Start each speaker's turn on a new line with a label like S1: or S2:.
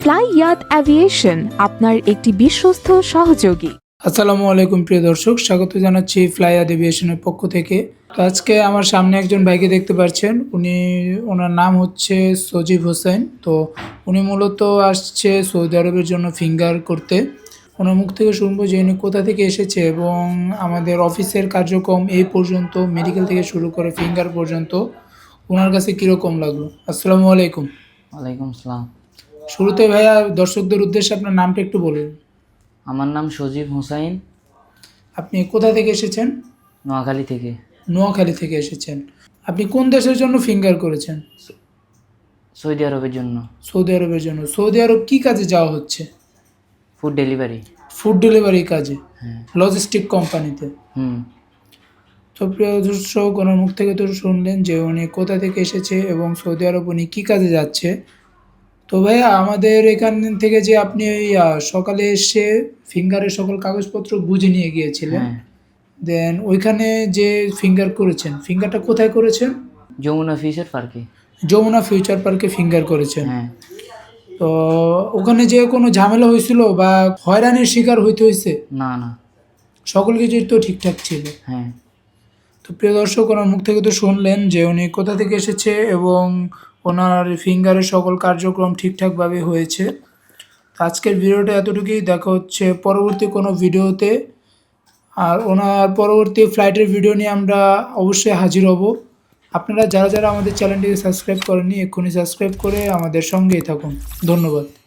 S1: ফ্লাইয়াত aviation আপনার একটি বিশ্বস্ত সহযোগী।
S2: আসসালামু আলাইকুম প্রিয় দর্শক, স্বাগত জানাচ্ছি ফ্লাইয়াত এভিয়েশনের পক্ষ থেকে। তো আজকে আমার সামনে একজন ভাইকে দেখতে পাচ্ছেন, ওনার নাম হচ্ছে সজীব হোসেন। তো উনি মূলত আসছে সৌদি আরবের জন্য ফিঙ্গার করতে। ওনার মুখ থেকে শুনবো যে উনি কোথা থেকে এসেছে এবং আমাদের অফিসের কার্যক্রম এই পর্যন্ত, মেডিকেল থেকে শুরু করে ফিঙ্গার পর্যন্ত ওনার কাছে কীরকম লাগলো। আসসালামু আলাইকুম।
S3: ওয়ালাইকুম আসসালাম।
S2: শুরুতে ভাইয়া দর্শকদের উদ্দেশ্যে আপনার নামটা একটু বলুন।
S3: আমার নাম সজীব হোসাইন,
S2: আপনি কোথা থেকে এসেছেন?
S3: নোয়াখালী থেকে।
S2: নোয়াখালী থেকে এসেছেন। আপনি কোন দেশের জন্য ফিঙ্গার করেছেন?
S3: সৌদি আরবের জন্য।
S2: সৌদি আরবের জন্য। সৌদি আরব কি কাজে যাওয়া হচ্ছে?
S3: Food delivery.
S2: ফুড ডেলিভারি কাজে,
S3: হ্যাঁ।
S2: লজিস্টিক কোম্পানিতে। তো প্রিয় দর্শক, ওনার মুখ থেকে তো শুনলেন যে উনি কোথা থেকে এসেছে এবং সৌদি আরব উনি কী কাজে যাচ্ছে। তো ভাইয়া, আমাদের এখান থেকে যে আপনি ওই সকালে এসে ফিঙ্গারের সকল কাগজপত্র বুঝে নিয়ে গিয়েছিলেন,
S3: হ্যাঁ,
S2: দেন ওইখানে যে ফিঙ্গার করেছেন, ফিঙ্গারটা কোথায় করেছেন?
S3: যমুনা ফিশার পার্কে।
S2: যমুনা ফিউচার পার্কে ফিঙ্গার করেছেন।
S3: হ্যাঁ।
S2: তো ওখানে যে কোনো ঝামেলা হয়েছিল বা হয়রানির শিকার হইতে হয়েছে?
S3: না না।
S2: সকল কিছুই তো ঠিকঠাক ছিল।
S3: হ্যাঁ।
S2: তো প্রিয় দর্শক, ওনার মুখ থেকে তো শুনলেন যে উনি কোথা থেকে এসেছে এবং ওনার ফিঙ্গারের সকল কার্যক্রম ঠিকঠাকভাবে হয়েছে। তো আজকের ভিডিওটা এতটুকুই, দেখা হচ্ছে পরবর্তী কোনো ভিডিওতে। আর ওনার পরবর্তী ফ্লাইটের ভিডিও নিয়ে আমরা অবশ্যই হাজির হব। আপনারা যারা যারা আমাদের চ্যানেলটিকে সাবস্ক্রাইব করেননি, এক্ষুনি সাবস্ক্রাইব করে আমাদের সঙ্গেই থাকুন। ধন্যবাদ।